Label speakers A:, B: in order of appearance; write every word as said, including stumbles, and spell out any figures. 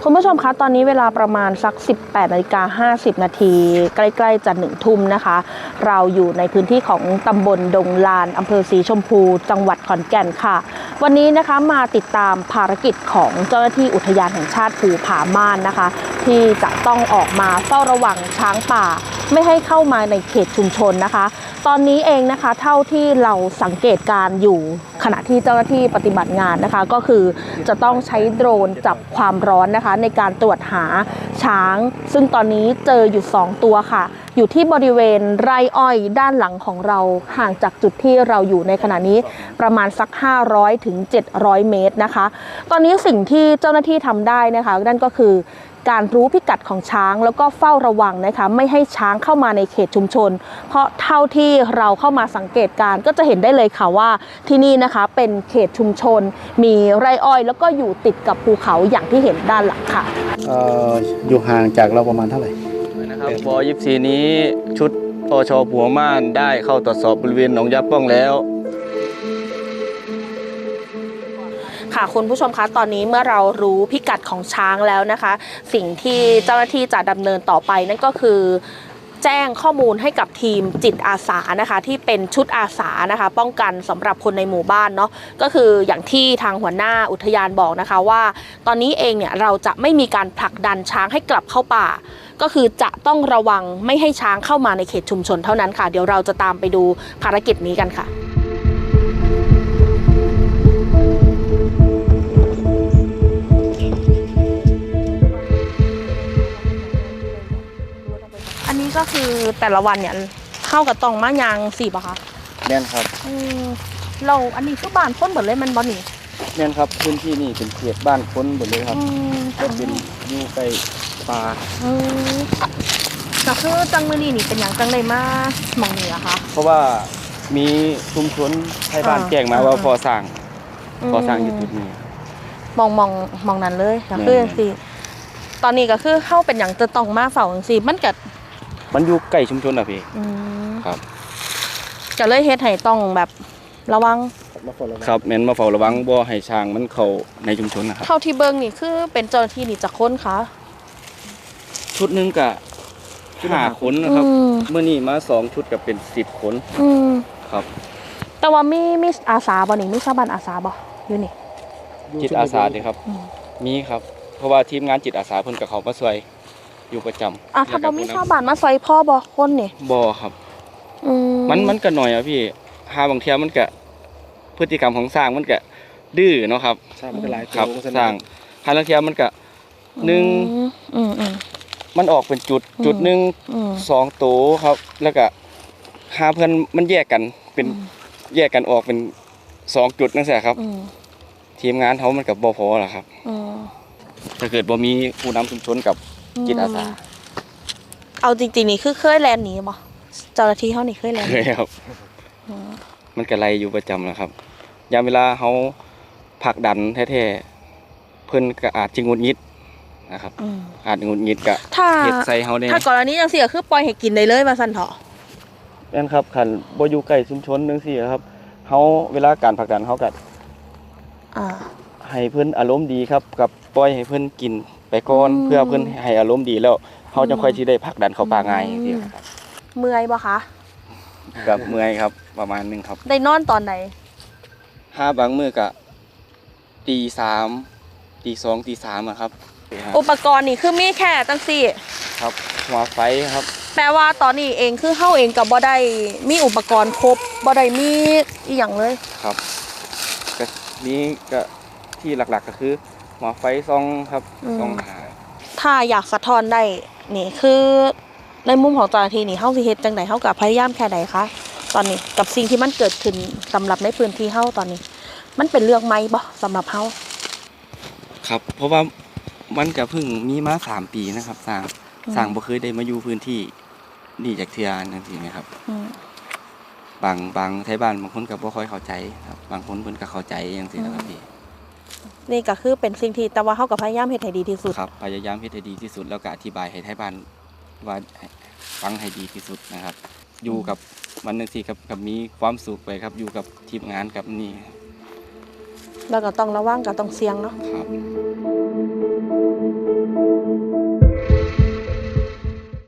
A: คุณผู้ชมคะตอนนี้เวลาประมาณสัก สิบแปดนาฬิกาห้าสิบนาทีใกล้ๆจะหนึ่งทุ่มนะคะเราอยู่ในพื้นที่ของตำบลดงลานอำเภอศรีชมพูจังหวัดขอนแก่นค่ะวันนี้นะคะมาติดตามภารกิจของเจ้าหน้าที่อุทยานแห่งชาติภูผาม่านนะคะที่จะต้องออกมาเฝ้าระวังช้างป่าไม่ให้เข้ามาในเขตชุมชนนะคะตอนนี้เองนะคะเท่าที่เราสังเกตการอยู่ขณะที่เจ้าหน้าที่ปฏิบัติงานนะคะก็คือจะต้องใช้โดรนจับความร้อนนะคะในการตรวจหาช้างซึ่งตอนนี้เจออยู่สองตัวค่ะอยู่ที่บริเวณไร่อ้อยด้านหลังของเราห่างจากจุดที่เราอยู่ในขณะนี้ประมาณสักห้าร้อยถึงเจ็ดร้อยเมตรนะคะตอนนี้สิ่งที่เจ้าหน้าที่ทำได้นะคะนั่นก็คือการรู้พิกัดของช้างแล้วก็เฝ้าระวังนะคะไม่ให้ช้างเข้ามาในเขตชุมชนเพราะเท่าที่เราเข้ามาสังเกตการก็จะเห็นได้เลยค่ะว่าที่นี่นะคะเป็นเขตชุมชนมีไร่อ้อยแล้วก็อยู่ติดกับภูเขาอย่างที่เห็นด้านหลังค่ะ
B: เอ่ออยู่ห่างจากเราประมาณเท่าไหร่
C: นะครับปยี่สิบสี่นี้ชุดปชภูผาม่านได้เข้าตรวจสอบบริเวณหนองยาป้องแล้ว
A: ค่ะคุณผู้ชมคะตอนนี้เมื่อเรารู้พิกัดของช้างแล้วนะคะสิ่งที่เจ้าหน้าที่จะดำเนินต่อไปนั่นก็คือแจ้งข้อมูลให้กับทีมจิตอาสานะคะที่เป็นชุดอาสานะคะป้องกันสำหรับคนในหมู่บ้านเนาะก็คืออย่างที่ทางหัวหน้าอุทยานบอกนะคะว่าตอนนี้เองเนี่ยเราจะไม่มีการผลักดันช้างให้กลับเข้าป่าก็คือจะต้องระวังไม่ให้ช้างเข้ามาในเขตชุมชนเท่านั้นค่ะเดี๋ยวเราจะตามไปดูภารกิจนี้กันค่ะอันนี้ก็คือแต่ละวันเนี่ยเข้ากับตองมะยางสี่ป่ะคะ
C: แน่นครับ
A: เราอันนี้คือบ้านพ้นหมดเลยมันบอนี่
C: แน่นครับพื้นที่นี่เป็นเขตบ้านพ้นหมดเลยครับก็เป็นอยู่ใกล้ป่า
A: ก็คือจังมือนี่นี่เป็นอย่างจังเลยมากมองนี่อะคะ
C: เพราะว่ามีชุมชนไทยบ้านแจ้งมาว่าพอสร้างพอสร้างอยู่จุดนี้
A: มองมองมองนั้นเลยก็คือสิตอนนี้ก็คือเข้าเป็นอย่างจะต้องมาเฝ้าสิมันกัด
C: มันอยู่ใกล้ชุมชนอะพี่ครับ
A: จะเลยเฮ็ดให้ต้องแบบระวัง
C: ครับแม่นมาเฝ้าระวังบ่ให้ช้างมันเข้าในชุมชนนะครับ
A: เท่าที่เบิ่งนี่คือเป็นเจ้าหน้าที่นี่จะค้นคะ
C: ชุดนึงก็ห้าคนนะครับเมื่อนี้มาสองชุดก็เป็นสิบคนครับ
A: แต่ว่ามีมีอาสาบ่นี่มีชาวบ้านอาสาบ่อยู่นี่
C: จิตอาสาดิครับมีครับเพราะว่าทีมงานจิตอาสาเพิ่นกับเขามาช่วยอยู่ประจำ
A: อ่ะถ้าบ่มีชาวบ้านมาช่วยพ่อบ่คนนี่
C: บ่ครับมันมันก็หน่อยอ่ะพี่หาบางเทีมันก็พฤติกรรมของสร้างมันก็ดื้อเนาะครับ
B: สร้างมันก็หลาย
C: ครับสร้างหาบางเทีมันก็หนึ่งมันออกเป็นจุดจุดหนึ่งสองโตครับแล้วก็หาเพื่อนมันแยกกันเป็นแยกกันออกเป็นสองจุดนั่นแหละครับทีมงานเขามันกับบ่พอหรอครับถ้าเกิดบ่มีผู้นำชุมชนกับจิตอาสา
A: เอาจริงๆนี่คือเคยแลนหนีบ่เจ้าหน้าที่เขานี่เคยแลน
C: เคยครับมันกระไรอยู่ประจำนะครับยามเวลาเขาผลักดันแท้ๆเพิ่นก็อาจจะงุนงิดนะครับอาจงุนงิดกับเห็ดใส่เขาเนี่ย
A: ถ้ากรณีจังซี่ก็คือปล่อยให้กินได้เลยว่าซั่นเถาะ
C: นั่นครับคันบ่อยู่ใกล้ชุมชนจังซี่ครับเขาเวลาการผลักดันเขาก็ให้เพิ่นอารมณ์ดีครับกับปล่อยให้เพิ่นกินไปก่อนเพื่อเพิ่นให้อารมณ์ดีแล้วเขาจะค่อยสิได้ผลักดันเขาป่าง่ายจังซี่ครับ
A: เมื่อยบ่คะ
C: กับเมื่อยครับประมาณนึงครับ
A: ได้นอนตอนไหน
C: ห้าบางมื้อก็ตีสามตีสองตีสามอะครับ
A: อุปกรณ์นี่คือมีแค่จังซี่
C: ครับหัวไฟครับ
A: แปลว่าตอนนี้เองคือเฮาเองก็บ่ได้มีอุปกรณ์ครบบ่ได้มีอีหยังเลย
C: ครับก็นี้ก็ที่หลักๆก็คือหัวไฟส่องครับส่องหา
A: ถ้าอยากสะท้อนได้นี่คือในมุมของเจ้าหน้าที่นี่เฮาสิเฮ็ดจังได๋เฮาก็พยายามแค่ใดคะตอนนี้กับสิ่งที่มันเกิดขึ้นสำหรับในพื้นที่เฮาตอนนี้มันเป็นเรื่องใหม่บ่สำหรับเฮา
C: ครับเพราะว่ามันก็เพิ่งมีมาสามปีนะครับสร้างสร้างบ่เคยได้มาอยู่พื้นที่นี่จากเทื่อจังซี่นะครับบางบางไทบ้านบางคนก็บ่ค่อยเข้าใจครับบางคนเพิ่นก็เข้าใจจังซี่นะครับพี่
A: นี่ก็คือเป็นสิ่งที่แต่ว่าเฮาก็พยายามเฮ็ดให้ดีที่สุด
C: ครับพยายามเฮ็ดให้ดีที่สุดแล้วก็อธิบายให้ไทบ้านว่าฟังให้ดีที่สุดนะครับอยู่กับมันจังซี่ครับกับมีความสุขไปครับอยู่กับทีมงานกับนี่
A: แล้วก็ต้องระวังก็ต้องเสี่ยงเนาะ
C: ครับ